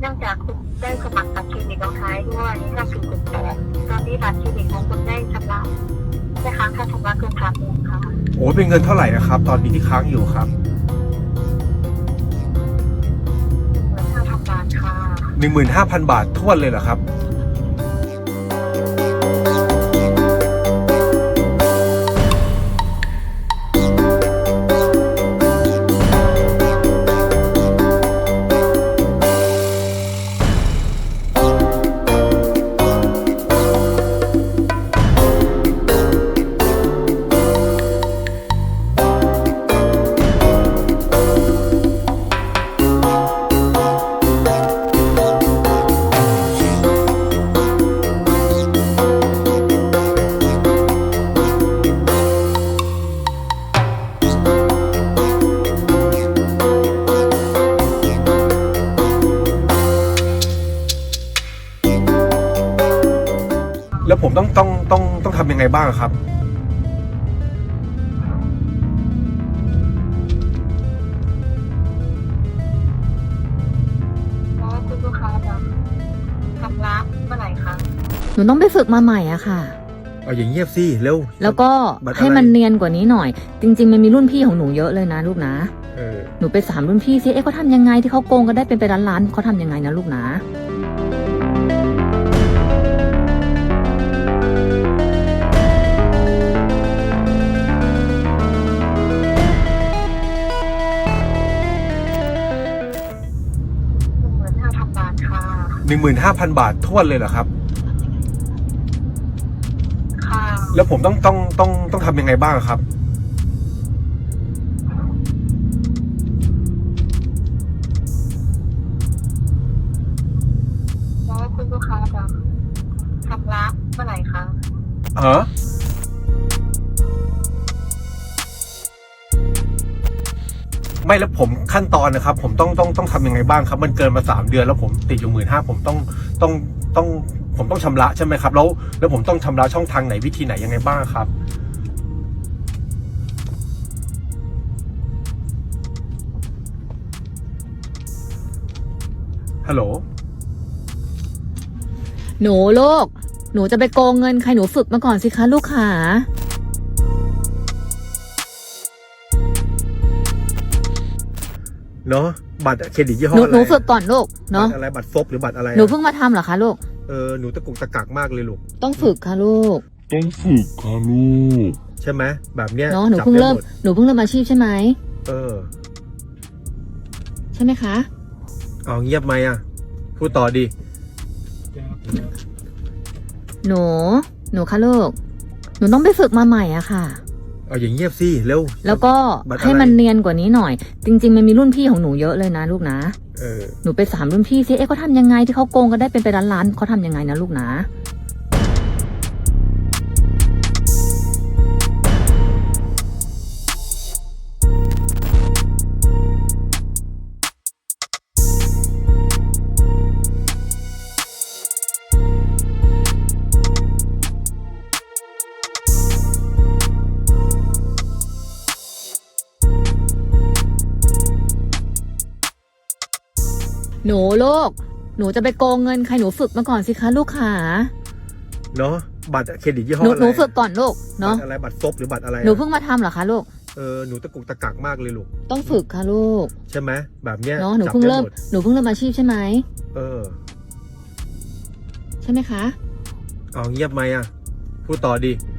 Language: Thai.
นื่องจากคุณได้สมัครบัตรเครดิตเอาท้ายด้วย5468ตอนนี้บัตรเครดิตของคุณได้ชำระได้ค้างค่าชำระเกิน3,000ค่ะโอ้เป็นเงินเท่าไหร่นะครับ ตอนนี้ที่ค้างอยู่ครับ 15,000 บาทค่ะ 15,000 บาททวนเลยเหรอครับแล้วผมต้องทำยังไงบ้างครับแล้วคุณลูกค้าจะชำระเมื่อไหร่คะหนูต้องไปฝึกมาใหม่อะค่ะเอาอย่างเงียบสิเร็วแล้วก็บัตรอะไรให้มันเนียนกว่านี้หน่อย จริง ๆ มันมีรุ่นพี่ของหนูเยอะเลยนะลูกนะ หนูไปถามรุ่นพี่ซิเขาทำยังไงที่เขาโกงกันได้เป็นไปล้านๆเขาทำยังไงนะลูกนะ 15,000 บาทค่ะ 15,000 บาททวนเลยเหรอครับค่ะแล้วผมต้องทำยังไงบ้างครับแล้วคุณลูกค้าจะชำระเมื่อไหร่คะไม่แล้วผมขั้นตอนนะครับ ผมต้องทำยังไงบ้างครับ มันเกินมา3 เดือนแล้วผมติดอยู่15,000ผมต้องชำระใช่ไหมครับแล้วผมต้องชำระช่องทางไหนวิธีไหนยังไงบ้างครับฮัลโหลหนูลูก หนูจะไปโกงเงินใครหนูฝึกมาก่อนสิคะลูกขาเนาะบัตรเครดิตยี่ห้อหนูอะไรหนูฝึกก่อนลูกเนาะบัตรอะไรบัตรซบหรือบัตรอะไรหนูเพิ่งมาทำเหรอคะลูกหนูตะกุกตะกักมากเลยลูกต้องฝึกค่ะลูกต้องฝึกค่ะลูกใช่ไหมแบบเนี้ยเนาะหนูจับเพิ่งได้เริ่มหมดหนูเพิ่งเริ่มอาชีพใช่ไหม ใช่ไหมคะเอาเงียบไหมอ่ะพูดต่อดีหนูคะลูก หนูต้องไปฝึกมาใหม่อะค่ะเอาอย่างเงียบสิเร็วแล้วก็บัตรอะไรให้มันเนียนกว่านี้หน่อย จริง ๆ มันมีรุ่นพี่ของหนูเยอะเลยนะลูกนะ หนูไปถามรุ่นพี่ซิเขาทำยังไงที่เขาโกงกันได้เป็นไปล้านๆเขาทำยังไงนะลูกนะ หนูลูก หนูจะไปโกงเงินใครหนูฝึกมาก่อนสิคะลูกขาเนาะบัตรเครดิตยี่ห้อหนูอะไรหนูฝึกก่อนลูกเนาะบัตรอะไรบัตรซบหรือบัตรอะไรหนูเพิ่งมาทำเหรอคะลูกหนูตะกุกตะกักมากเลยลูกต้องฝึกค่ะลูกใช่ไหมแบบเนี้ยเนาะหนูจับเพิ่งได้เริ่มหมดหนูเพิ่งเริ่มอาชีพใช่ไหมเออใช่ไหมคะเอาเงียบไหมอ่ะพูดต่อดี